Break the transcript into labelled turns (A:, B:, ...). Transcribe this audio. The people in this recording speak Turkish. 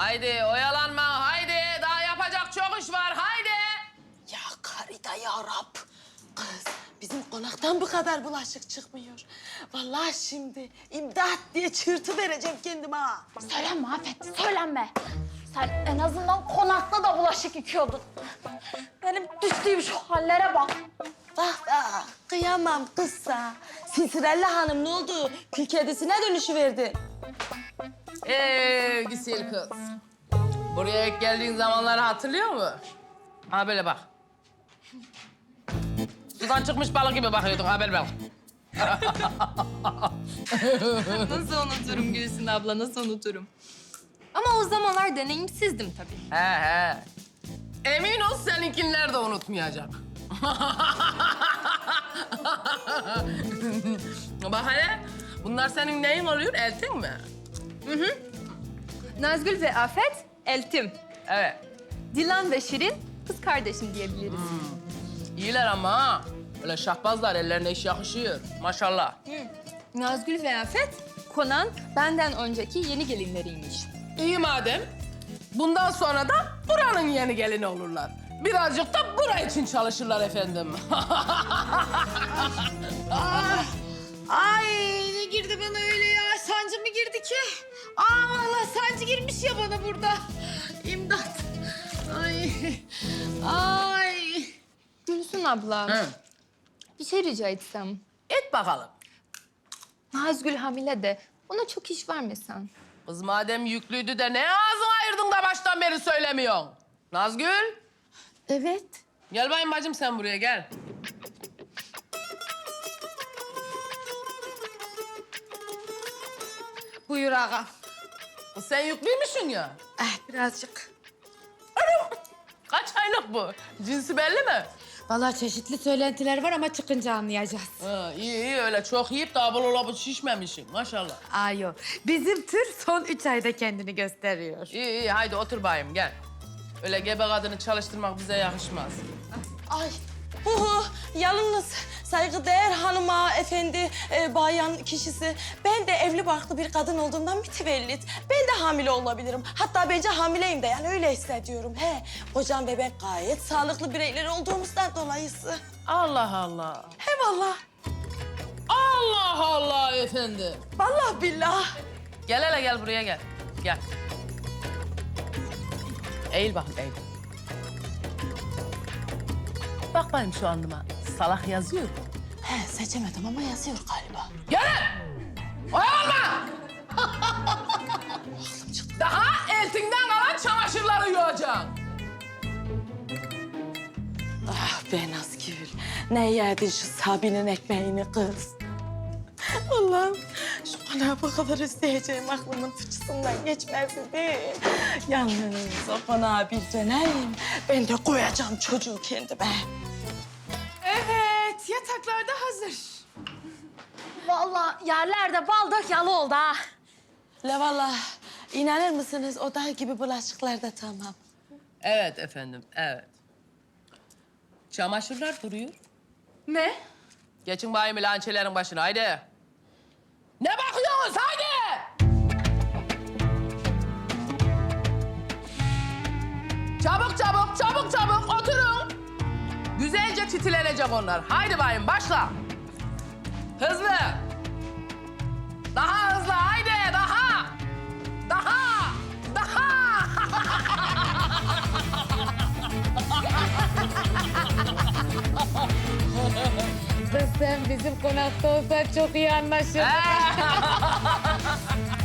A: Haydi oyalanma, haydi. Daha yapacak çok iş var, haydi.
B: Ya Karida ya Rab. Kız bizim konaktan bu kadar bulaşık çıkmıyor. Vallahi şimdi imdat diye çığırtı vereceğim kendime ha.
C: Söylenme Afet, söylenme. Sen en azından konakta da bulaşık yıkıyordun. Benim düştüğüm şu hallere bak.
B: Bak bak kıyamam kızsa. Sinsirella Hanım ne oldu? Kül kedisine dönüşüverdi.
A: Güzel kız. Buraya ilk geldiğin zamanları hatırlıyor musun? Ha böyle bak. Sudan çıkmış balık gibi bakıyordun, ha böyle bak.
D: Nasıl unuturum Gülsün abla, nasıl unuturum? Ama o zamanlar deneyimsizdim tabii.
A: He. Emin ol seninkiler de unutmayacak. Bak hele, bunlar senin neyin oluyor, eltin mi?
D: Nazgül ve Afet, eltim.
A: Evet.
D: Dilan ve Şirin, kız kardeşim diyebiliriz.
A: İyiler ama ha. Öyle şahbazlar, ellerine iş yakışıyor. Maşallah.
D: Nazgül ve Afet, Konan benden önceki yeni gelinleriymiş.
A: İyi madem. Bundan sonra da buranın yeni gelini olurlar. Birazcık da bura için çalışırlar efendim.
B: Ay ne girdi bana öyle ya? Sancı mı girdi ki? Aa vallahi sancı girmiş ya bana burada. İmdat. Ay. Ay.
D: Gülsün abla,
A: Hı.
D: bir şey rica etsem.
A: Et bakalım.
D: Nazgül hamile de ona çok iş vermesen.
A: Kız madem yüklüydü de ne ağzını ayırdın da baştan beri söylemiyorsun? Nazgül,
B: Evet.
A: gel bayım bacım sen buraya gel.
B: Buyur ağa.
A: Kız sen yüklüymüşsün ya.
B: Birazcık.
A: Kaç aylık bu? Cinsi belli mi?
E: Vallahi çeşitli söylentiler var ama çıkınca anlayacağız.
A: Ha, iyi öyle çok yiyip de abul olabı şişmemişsin maşallah.
E: Ay yok. Bizim tür son 3 ayda kendini gösteriyor.
A: İyi haydi otur bayım gel. Öyle gebe kadını çalıştırmak bize yakışmaz.
B: Ay. Yalnız saygıdeğer hanıma, efendi, bayan kişisi. Ben de evli barklı bir kadın olduğumdan mütevellit. Ben de hamile olabilirim. Hatta bence hamileyim de yani öyle hissediyorum. He, kocam ve ben gayet sağlıklı bireyler olduğumuzdan dolayısı.
A: Allah Allah.
B: He vallahi.
A: Allah Allah efendi.
B: Vallahi billah.
A: Gel hele gel buraya gel. Gel. Eğil bakayım eğil. Bak bakayım şu alnıma. Salak yazıyor mu?
B: He, seçemedim ama yazıyor galiba.
A: Gel! Oyalanma! Daha eltinden kalan çamaşırları yuvacaksın.
B: Ah be Nazgül. Ne yedin şu Sabi'nin ekmeğini kız? Allah'ım şu konağı bu kadar isteyeceğim aklımın fıçısından geçmezdi değil. Yalnız o konağa bir döneyim. Ben de koyacağım çocuğu kendime.
E: Evet, yataklar da hazır.
C: Vallahi yerlerde bal dök yalı oldu ha.
B: La vallahi inanır mısınız oda gibi bulaşıklar da tamam.
A: Evet efendim, evet. Çamaşırlar duruyor.
D: Ne?
A: Geçin bayım lançelerin başına, haydi. Ne bakıyorsunuz, haydi! Çabuk, oturun. Güzelce titilenecek onlar. Haydi bayım, başla. Hızlı. Daha hızlı, haydi, daha.
E: Kız sen bizim konakta olsan çok iyi anlaşırdık.